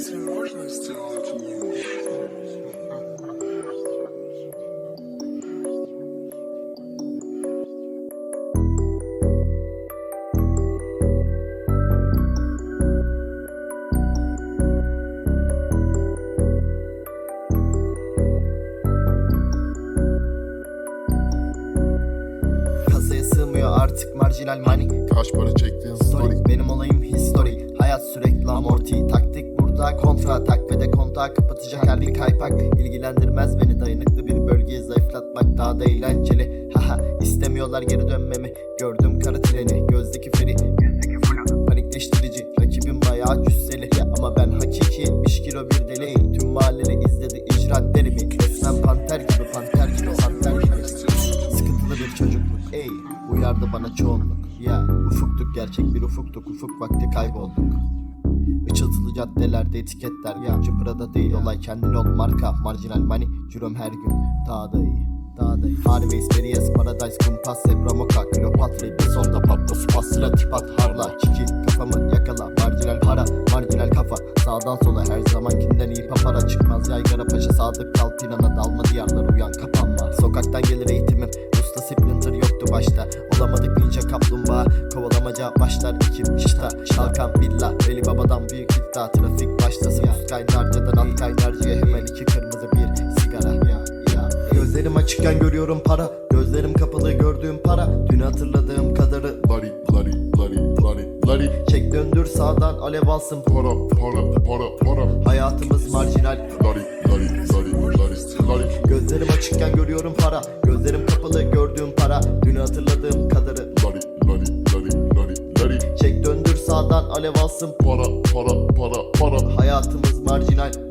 Разве можно сделать лучше? Kasaya sığmıyor artık marjinal money. Kaç para çektiğin story. Benim olayım history. Hayat sürekli amorti. Taktik burada kontra tak ve de kontağı kapatacak her bir kaypak. İlgilendirmez beni, dayanıklı bir bölgeyi zayıflatmak daha da eğlenceli. Haha, istemiyorlar geri dönmemi. Gördüm kara treni, gözdeki feri, yüzdeki flu panikleştirici. Rakibim bayağı cüsseli ama ben hakiki 70 kilo bir deli. Tüm mahalleli izledi icraatlerimi. Resmen panter gibi, panter gibi, panter gibi. Sıkıntılı bir çocukluk, ey uyardı bana çoğunluk. Ya ufuktuk, gerçek bir ufuktuk, ufuk vakti kaybolduk. Işıltılı caddelerde etiketler, ya Prada değil olay, kendin ol marka. Marjinal money, cürüm her gün daha da iyi, daha da iyi. Harveys, Perias, Paradise, Kumpas, Zebra, Moka, Kleopatra, bir sonda patla, spasla, tipat, harla, çiki, kafamı yakala, marjinal para, marjinal kafa, sağdan sola her zamankinden iyi papara, çıkmaz yaygara paşa, sadık kal plana, dalma diyarlar, uyan kapanma. Sokaktan gelir eğitimim, usta splinter yoktu başta, olamadık ninja kaplumbağa, kovalamaca başlar ekip şita, şalkan villa, Veli Baba'dan büyük iddia, trafik başlasın, üst kaynarcadan alt kaynarcaya, hemen iki kırmızı bir sigara. Gözlerim açıkken görüyorum para, gözlerim kapalı gördüğüm para, dün hatırladığım kadarı. Lari lari lari lari lari. Çek döndür sağdan alev alsın. Para para para para. Hayatımız marjinal. Lari lari lari lari lari. Gözlerim açıkken görüyorum para, gözlerim kapalı gördüğüm para, dün hatırladığım kadarı. Lari lari lari lari lari. Çek döndür sağdan alev alsın. Para para para para. Hayatımız marjinal.